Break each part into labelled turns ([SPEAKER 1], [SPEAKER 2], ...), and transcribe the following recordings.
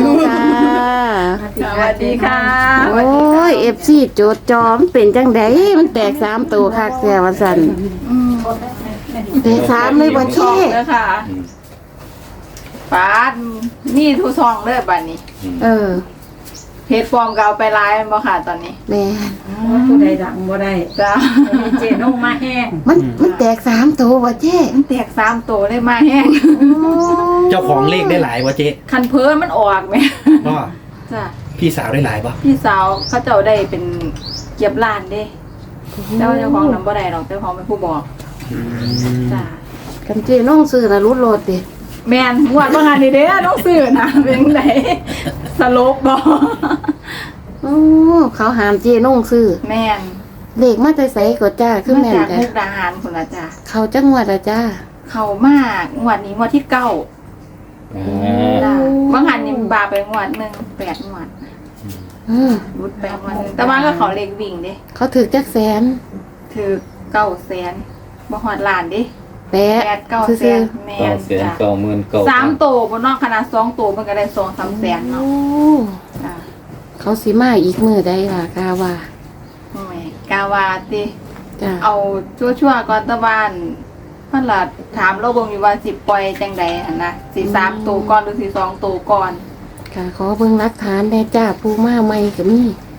[SPEAKER 1] ค่ะ
[SPEAKER 2] สวัสดีค่ะ
[SPEAKER 1] โอ้ย FC โจทย์จอมเป็นจังไดมันแตก3ตัวคักแท้ว่าซั่นแตก3เลยบ่
[SPEAKER 2] ช่
[SPEAKER 1] เช่
[SPEAKER 2] องเด้อค่ะปาดนี่ทุกช่องเลยบัดนี้
[SPEAKER 1] เออ
[SPEAKER 2] เพจปลอมก็เอาไปไลฟ์บ่ค่ะตอนนี้
[SPEAKER 1] แม่
[SPEAKER 3] ผู้ใดดังบ่ได้
[SPEAKER 2] จ้า
[SPEAKER 3] มีเจนงมาแห้ง
[SPEAKER 1] มันแตก3ตัวบ่เช่
[SPEAKER 2] มันแตก3ตัวเลยมาแห้ง
[SPEAKER 4] เจ้าของเลขได้หลายวะเจ๊
[SPEAKER 2] คันเพิ่นมันออกแม่
[SPEAKER 4] ก็
[SPEAKER 2] จ้า
[SPEAKER 4] พี่สาวได้หลายปะ
[SPEAKER 2] พี่สาวเขาเจ้าได้เป็นเก็บล้านเด้เจ้าของนำบ่ได้หรอกเจ้าของเป็นผู้บอกจ้า
[SPEAKER 1] กันเจ้น้องซื้อน่ะรุดโลดติ
[SPEAKER 2] แม่นงวดบ่หันนี่เด้อต้องซื้อนะเป็นไดสลบบ่
[SPEAKER 1] โอ้เขาหามเจ้น้องซื้อ
[SPEAKER 2] แม่น
[SPEAKER 1] เลขมาแต่ไสก็จ้าคือ
[SPEAKER 2] มา
[SPEAKER 1] แม่น
[SPEAKER 2] จาก
[SPEAKER 1] จ้ะ
[SPEAKER 2] มุกดาหารพุ่นล่ะจ้า
[SPEAKER 1] เขาจังหวัดอะจ้า
[SPEAKER 2] เข้ามางวดนี้งวดที่9 จ้ะบางหันนี่บาไปงวดหนึ่ง8 งวด รุดไปงวดหนึงแต่ว่าก็เขาเลขวิ่งเด้
[SPEAKER 1] เขาถึกจักแสน
[SPEAKER 2] ถือ900,000บ่ฮอดล้านเด้
[SPEAKER 1] แปะ
[SPEAKER 2] 8-9 แสนแม่นจ้ะ
[SPEAKER 5] 9,000
[SPEAKER 2] 3โตบ่เนาะขนาด2โตมันก็ได้ 2-3 แสนเนาะ
[SPEAKER 1] โอ้
[SPEAKER 2] จ้ะ
[SPEAKER 1] เขาสิมาอีกมื้อใดล่ะกาว่า
[SPEAKER 2] โอ้ยกาวาติ
[SPEAKER 1] จ้า
[SPEAKER 2] เอาชั่วๆก่อนตะบ้านเพิ่นล่ะถามเราเบิ่งอยู่ว่าสิปล่อยจังใดหั่นนะสิ3โตก่อนหรือสิ2โตก่อน
[SPEAKER 1] ค่ะขอเบิ่งหลักฐานแน่จ้าผู้มาใหม่ก็มี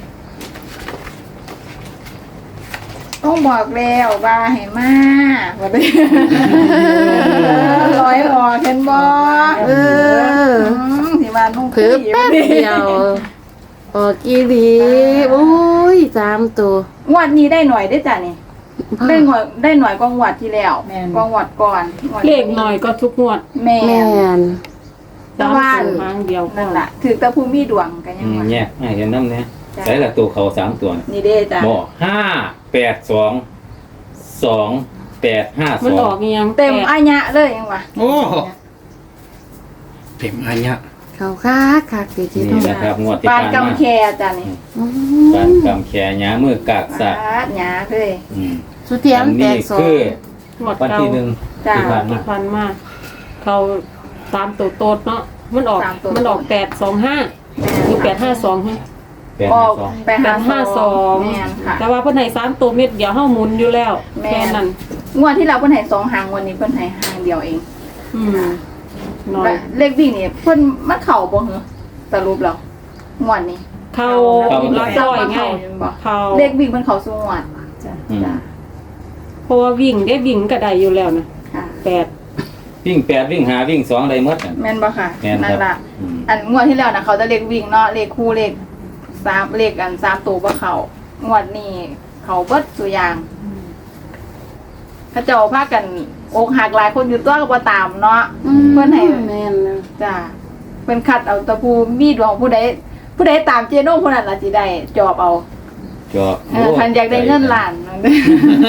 [SPEAKER 2] ต้องบอกแล้วว่าให้มาบ่ได้ ร้อยออกเห็นบ่
[SPEAKER 1] เออ
[SPEAKER 2] สิมานุ่ง
[SPEAKER 1] เพิ่แป๊บเดียวออกอีหลีโอ้ย3ตัว
[SPEAKER 2] งวดนี้ได้หน่อยได้อจ้ะนี่ได้หน่อยกว่างวดที่แล้วกว่างวดก่อนงวด
[SPEAKER 3] เลขหน่อยก็ทุกงวด
[SPEAKER 2] แม่
[SPEAKER 1] แม่น
[SPEAKER 2] แต่ว่า
[SPEAKER 3] ทางเดียวก็
[SPEAKER 2] นั่นล่ะถือแต่ผู้มีดวงกันยังว่า
[SPEAKER 5] แยกให้เห็นน้ำเนี่ยใส่ละตัวเขา3ตัว
[SPEAKER 2] นี่เด้จ้ะ
[SPEAKER 5] บ่582
[SPEAKER 3] มันออก
[SPEAKER 5] 2852
[SPEAKER 3] อีหยัง
[SPEAKER 2] เต็มอายะเลยยังว่า
[SPEAKER 4] โอ้เต็มอันเนี้ย
[SPEAKER 1] เขาคักคักสิที่
[SPEAKER 5] นี่
[SPEAKER 1] ต้อง
[SPEAKER 5] นะครับงวดที่
[SPEAKER 2] ปาน
[SPEAKER 5] ผ่าน
[SPEAKER 2] กำ
[SPEAKER 5] มา
[SPEAKER 2] แคจ้ะนี่
[SPEAKER 1] อื
[SPEAKER 5] การ
[SPEAKER 1] ม
[SPEAKER 5] กำแขนหยามือกากสัก
[SPEAKER 2] ปาดหยาเลย
[SPEAKER 1] สุเทียมแต
[SPEAKER 5] นี่
[SPEAKER 1] กสอง
[SPEAKER 5] คือง
[SPEAKER 3] วด
[SPEAKER 5] วัน
[SPEAKER 3] เก่า
[SPEAKER 5] ที่หนึ่ง
[SPEAKER 2] จ้ะ
[SPEAKER 5] ที่ผ่านมา
[SPEAKER 3] ที่พันมาเขา3ตัวโตดเนาะมันออก
[SPEAKER 2] สามตัว
[SPEAKER 3] มันออก825หรือ852ฮะ
[SPEAKER 2] ออก
[SPEAKER 5] 852
[SPEAKER 2] ไปหา2แม่นค่ะ
[SPEAKER 3] แต่ว่าเพิ่นให้3ตัวเม็ดเดียวเฮาหมุนอยู่แล้ว
[SPEAKER 2] แม่
[SPEAKER 3] แค่นั้น
[SPEAKER 2] งวดที่เราเพิ่นให้2หางวันนี้เพิ่นให้หางเดียวเอง
[SPEAKER 3] อืมน้อย
[SPEAKER 2] เลขวิ่งนี่เพิ่นมันเข้าบ่เหรอสรุปแล้วงวดนี้
[SPEAKER 3] เข้าลักร้อยไงเข้า
[SPEAKER 2] เลขวิ่งมันเข้าสู่งวด
[SPEAKER 5] อืม
[SPEAKER 2] จ้ะ
[SPEAKER 3] เพราะว่าวิ่งได้วิ่งก็ได้อยู่แล้วนะ
[SPEAKER 2] ค่ะ
[SPEAKER 3] 8
[SPEAKER 5] วิ่ง8วิ่ง5วิ่ง2ได้หมดน่ะ
[SPEAKER 2] แม่นบ่ค่ะ
[SPEAKER 5] แม่นครับ
[SPEAKER 2] นั่นล่ะ
[SPEAKER 5] อืม
[SPEAKER 2] อันงวดที่แล้วนะเขาจะเลขวิ่งเนาะเลขคู่เลข3เลขอัน3ตัวบ่เข้างวดนี้เขาเบิดสุอย่างเขาเจ้าพากันอกหักหลายคนอยู่ตัวก็บ่ตามเนาะ เพิ่นให้
[SPEAKER 1] แม่นนะ
[SPEAKER 2] จ้ะเป็นคัดเอาแตะผู้มีดวงผู้ใดตามเจโน่ผู้นั้นล่ะสิได้จอบเอา
[SPEAKER 5] จอบ
[SPEAKER 2] คันอยากได้เงินล้านนั่นเด้อ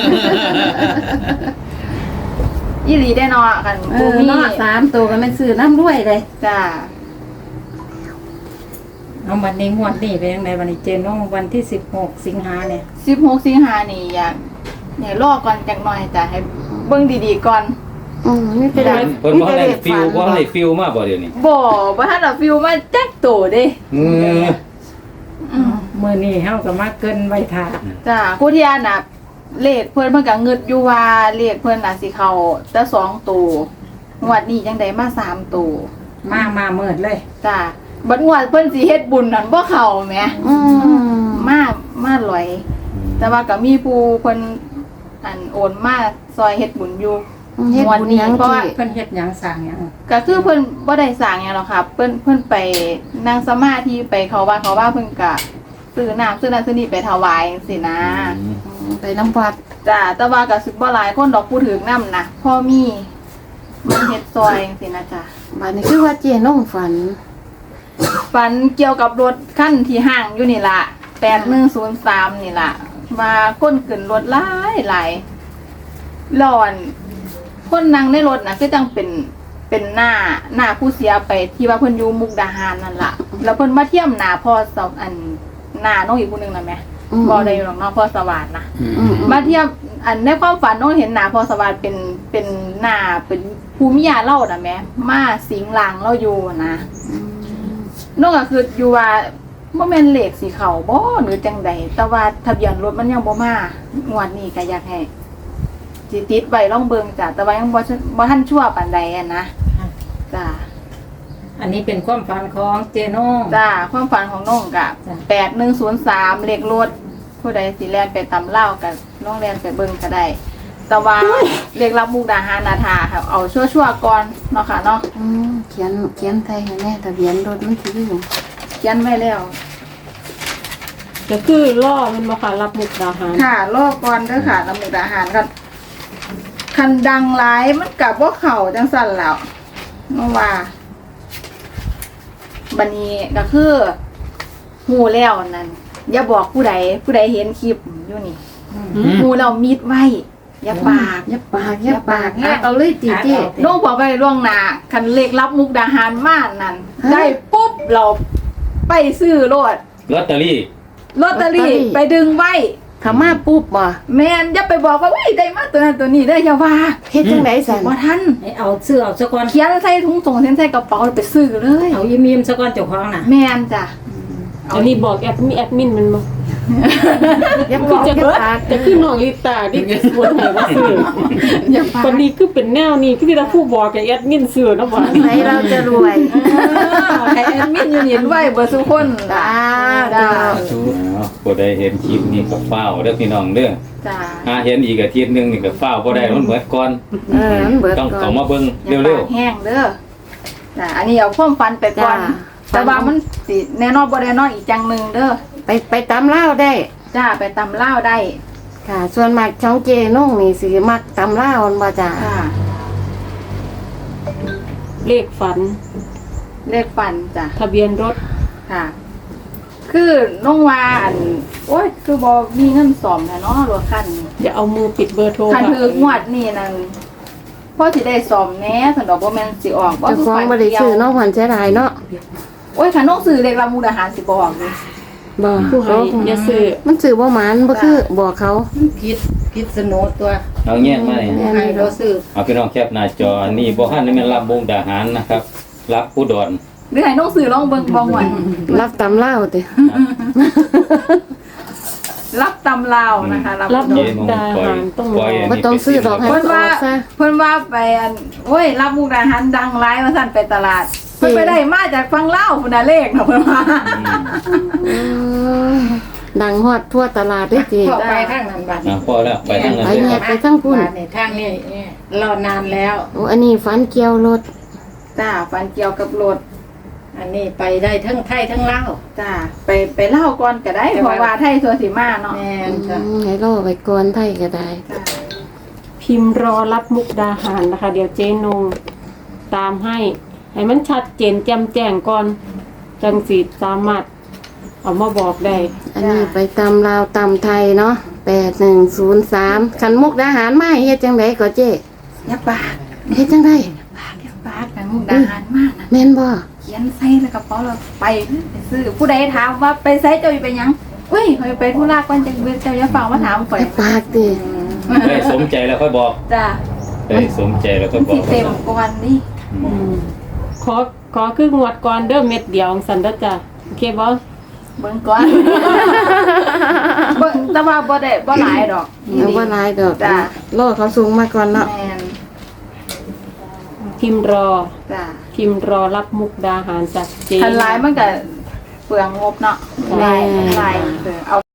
[SPEAKER 2] อีหลีได้เนาะคัน
[SPEAKER 1] เอ
[SPEAKER 2] ผู้
[SPEAKER 1] อ
[SPEAKER 2] มี
[SPEAKER 1] เนาะ3ตัวก็แม่นซื้อน้ำรวยเลย
[SPEAKER 2] จ้ะ
[SPEAKER 3] เอาวันนี้งวดนี้เป็นยังไงวันนี้เจนงวันที่16สิงหาเนี่ย
[SPEAKER 2] 16 สิงหานี่อยากรอก่อนจักหน่อยจ้ะให้เบิ่งดีๆก่อน
[SPEAKER 1] ไม่เป็นไร
[SPEAKER 5] เพิ่นบ่ได้ฟิลบ่ได้ฟิลมาบ่เดี๋ยวนี้
[SPEAKER 2] บ่ทันเอาฟิวมาจักโตเด้
[SPEAKER 5] อือ
[SPEAKER 3] มื้อนี้เฮาก็มาเกินไว้ท่า
[SPEAKER 2] จ้ะผู้ที่น่ะเลขเพิ่นก็งึดอยู่ว่าเลขเพิ่นน่ะสิเข้าแต่2ตัวงวดนี้จังได๋มา3ตัว
[SPEAKER 3] มาเมิดเลย
[SPEAKER 2] จ้ะบัดงวดเพิ่นสิเฮ็ดบุญนั่นบ่เข้าแหม
[SPEAKER 1] อืม
[SPEAKER 2] มาลอย แต่ว่าก็มีผู้เพิ่นอันโอนมาซอยเฮ็ดบุญอยู่
[SPEAKER 1] เฮ็ดบุญหยัง
[SPEAKER 2] เพราะ
[SPEAKER 1] ที่
[SPEAKER 2] ว่า
[SPEAKER 3] เพิ่นเฮ็ดหยังสร้างหยัง
[SPEAKER 2] ก็คือเพิ่นบ่ได้สร้างหยังหรอกค่ะเพิ่นไปนั่งสมาธิไปเขาว่าเพิ่นก็ซื้อน้ำซื้อนั่นซื้อนี่ไปถวายจังซี่นะ
[SPEAKER 1] ไปน้ำวัด
[SPEAKER 2] จ้ะแต่ว่าก็สิบ่หลายคนดอกผู้ถือน้ำนะพ่อมีมันเฮ็ดซอยจังซี่นะจ้ะ
[SPEAKER 1] บัดนี้คือว่าเจน้องฝัน
[SPEAKER 2] ฝันเกี่ยวกับรถคันที่ห้างอยู่นี่ล่ะ8103นี่ล่ะว่าคนขึ้นรถหลายร้อน คนนั่งในรถน่ะคือจังเป็นหน้าผู้เสียไปที่ว่าเพิ่นอยู่มุกดาหารนั่นล่ะแล้วเพิ่นมาเทียมหน้าพ่อสาวอันหน้าน้องอีกผู้หนึงน่ะแม่บ่ได้อยู่หรอกเนาะพ่อสวัสดิ์นะมาเทียมอันในความฝันน้องเห็นหน้าพ่อสวัสดิ์เป็นหน้าเป็นภูมิยาเล่าน่ะแม่มาสิงหลังเราอยู่นะน้องก็คืออยู่ว่าบ่แม่นเลขสิเข้าบ่หรือจังใดแต่ว่าทะเบียนรถมันยังบ่มางวดนี้ก็อยากให้สิติดไว้ลองเบิ่งจ้ะแต่ว่ายังบ่ทันชั่วปานใดอะนะจ้ะ
[SPEAKER 3] อันนี้เป็นความฝันของเจนง
[SPEAKER 2] จ้ะความฝันของน้องก็
[SPEAKER 3] จ้ะ
[SPEAKER 2] 8103เลขรถผู้ใดสิแล่นไปตำเล่าก็ลองแล่นไปเบิ่งก็ได้ แต่ว่าเลขรับมุกดาหารนาทาค่ะเอาชั่วๆก่อนเนาะค่ะเนาะ
[SPEAKER 1] เขียนไทยให้แน่ทะเบียนรถมันสิลืม
[SPEAKER 2] เขียนไว้แล้ว
[SPEAKER 6] ก็คือล่อมันมาค่ะรับมุกดาหาร
[SPEAKER 2] ค่ะรอบก่อนเด้อค่ะรับมุกดาหารกันคันดังหลายมันกับว่าเข่าจังสั่นแล้วเมื่อว่าบันนี้ก็คือหูแล้วนั่นอย่าบอกผู้ใดเห็นคลิปอยู่นี่หูเรามีดไว้อย่าปาก
[SPEAKER 1] อย่าปากเอาเลยจีเจ้
[SPEAKER 2] น้องบอกไปล่วงหน้าคันเลขรับมุกดาหารมานั่นได้ปุ๊บเราไปซื้อรถ
[SPEAKER 5] ลอตเตอรี่
[SPEAKER 2] ลอตเตอรี่ไปดึงไว้
[SPEAKER 1] เขามาปุ๊บบ่
[SPEAKER 2] แม่นอย่าไปบอกว่าได้มาตัวนั้นตัวนี้ได้ออย่าว่า
[SPEAKER 1] เฮ็ดจังได๋สั่น
[SPEAKER 2] บ่ทัน
[SPEAKER 3] ให้เอาเสื้อเอาสะกอน
[SPEAKER 2] เขียนใส่ถุงส่งเส้นใส่กระเป๋าไปซื้อเลย
[SPEAKER 3] เอายิ้มๆสะกอนเจ้าของน่ะ
[SPEAKER 2] แม่นจ้ะ
[SPEAKER 6] อันนี้บอกแอดมินมันบ่
[SPEAKER 1] อย่าบ
[SPEAKER 6] คือ อก จะ
[SPEAKER 1] อย่าปาก
[SPEAKER 6] จะคือน้องลิตาที่สวนให้ว่าซื้อ
[SPEAKER 2] อย่าปาก
[SPEAKER 6] คนนี้คือเป็นแนวนี้คือที่ผู้บอกกับแอดมินซื้อเนาะบ่
[SPEAKER 1] ใครเราจะรวย
[SPEAKER 2] ให้แอดมินอยู่เห็นไว้เบอร์ทุกคน
[SPEAKER 1] จ้า
[SPEAKER 2] จ้า
[SPEAKER 5] ผู้ใดเห็นคลิปนี้ก็เฝ้าเด้อพี่น้องเด้อ
[SPEAKER 2] จ้า
[SPEAKER 5] หาเห็นอีกอาทิตย์หนึงนี่ก็เฝ้าบ่ได้มันเบิดก่อน
[SPEAKER 1] มันเบิด
[SPEAKER 5] ต้อง
[SPEAKER 1] ก่อ
[SPEAKER 5] เข้าน มาเบิ่ง
[SPEAKER 2] อย่า
[SPEAKER 5] เร็
[SPEAKER 2] ปาว กแห้งเด้อจ้าอันนี้เอาความฟันไปก่อน
[SPEAKER 1] จ้า
[SPEAKER 2] แต่ว่ามันสิแน่นอนบ่แน่นอนอีกจังหนึงเด้อ
[SPEAKER 1] ไปตำลาวได้
[SPEAKER 2] จ้าไปตำเล่าวได้
[SPEAKER 1] ค่ะ ส่วนมากช่องเจนุ่งนี่สิมักตำลาวมันบ่จ้า
[SPEAKER 2] จ้า
[SPEAKER 6] เลขฝัน
[SPEAKER 2] เลขฟันจ้ะ
[SPEAKER 6] ทะเบียนรถ
[SPEAKER 2] ค่ะ คือน้องว่าอันโอ้ยคือบ่มีเงินซ่อมแท้เนาะรถคันนี้
[SPEAKER 6] อย่าเอามือปิดเบอร์โทร
[SPEAKER 2] คัน
[SPEAKER 6] ค่ะ
[SPEAKER 2] ถืองวดนี่นั่นพ่อสิได้ซ่อมแหน่สันดอกบ่แม่นสิออกบ่
[SPEAKER 1] เจ้าของบ่ได้ซื้อเนาะหวันเสียดายเนาะ
[SPEAKER 2] โอ้ยคันน้องซื้อเลขรับมุกดาหารสิบ่ออกเลย
[SPEAKER 1] บ่
[SPEAKER 6] ผู้ให้อย่าซื้อ
[SPEAKER 1] มันซื้อบ่หมานบ่คือบอกเขา
[SPEAKER 3] พิษณุตัว
[SPEAKER 5] เอาแยกมานี่
[SPEAKER 3] ให้เราซื้อ
[SPEAKER 5] เอาพี่น้องแคปหน้าจออันนี้บ่ทันได้แม่นรับมุกดาหารนะครับ รับอุดร
[SPEAKER 2] หรือให้น้องซื้อลองเบิ่งบ่หวน
[SPEAKER 1] รับตำลาวติ
[SPEAKER 2] รับตำลาวนะคะรับ
[SPEAKER 6] รับ
[SPEAKER 2] มุ
[SPEAKER 6] มุ
[SPEAKER 2] ก
[SPEAKER 6] กดาหารต้อง
[SPEAKER 5] ปล่อย
[SPEAKER 1] บ่ต้องซื้อดอกให้
[SPEAKER 2] เพิ่น
[SPEAKER 1] มันอ
[SPEAKER 2] ว่า
[SPEAKER 1] อกซะ
[SPEAKER 2] เพิ่นว่าไปอันโอ้ยรับมุกดาหารดังหลายว่าซั่นไปตลาดเพิ่นไปได้มาจากฝั่งลาวพุ่นน่ะเลขน่ะเพิ่นว่า
[SPEAKER 1] ดังฮอดทั่วตลาดเด้อจี
[SPEAKER 3] พอไปทางนั้นบัด
[SPEAKER 5] พอแล้วไปทางนั้น
[SPEAKER 1] ไป
[SPEAKER 5] เลย
[SPEAKER 1] แยกไปทั้งพุ่น
[SPEAKER 3] บัดนี่ทางนี้รอนานแล้ว
[SPEAKER 1] โอ้อันนี้ฟันเกี่ยวรถ
[SPEAKER 2] จ้าฟันเกี่ยวกับรถ
[SPEAKER 3] อันนี้ไปได้ทั้งไทยทั้งลาว
[SPEAKER 2] จ้าไปเล่าก่อนก็ได้เพราะว่าไทยสัวสิมาเนาะ
[SPEAKER 3] แม่นจ้ะ
[SPEAKER 1] ให้รอไปก่อนไทยก็ได้
[SPEAKER 2] จ้า
[SPEAKER 6] พิมพ์รอรับมุกดาหารนะคะ เดี๋ยวเจนงตามให้มันชัดเจนแจ่มแจ้งก่อนจังสิสามารถเอามาบอกได้
[SPEAKER 1] อันนี้ไปตำลาวตำไทยเนาะ8103คันมุกดาหารมาเฮ็ดจังไดก็เจ๊
[SPEAKER 2] อย่าปาก
[SPEAKER 1] เฮ็ดจังได
[SPEAKER 2] อย่าปากกันมุกดาหารมากนะ
[SPEAKER 1] แม่นบ่
[SPEAKER 2] เขียนใส่ในกระเป๋าเราไปซื้อผู้ใดถามว่าไปใส่เจ้าอยู่ไปหยังอุ้ยไปธุระก่อนจังเจ้าอย่าฟังมาถามข่อย
[SPEAKER 1] อย่าปากติ
[SPEAKER 5] ได้สมใจแล้วค่อยบอก
[SPEAKER 2] จ้า
[SPEAKER 5] ได้สมใจแล้วค่อยบอ
[SPEAKER 2] สิ
[SPEAKER 5] ก
[SPEAKER 2] เต็มก่อนนี่
[SPEAKER 6] ขอคืองวดก่อนเด้อเม็ดเดียวสันเด้อจ้ะโอเคบ่
[SPEAKER 2] เบิ่งก่อนเบิ่งแต่ว่าบ่ได้บ่หลายดอก
[SPEAKER 1] เอาบ่หลายดอก
[SPEAKER 2] จ้าร
[SPEAKER 1] อเขาสูงมาก่อนเนาะ
[SPEAKER 2] แม่น
[SPEAKER 6] พิมพ์รอ
[SPEAKER 2] จ้า
[SPEAKER 6] พิมพ์รอรับมุกดาหารจากเจ
[SPEAKER 2] ทันหลายมันก็เปลืองงบเนาะหลายเอา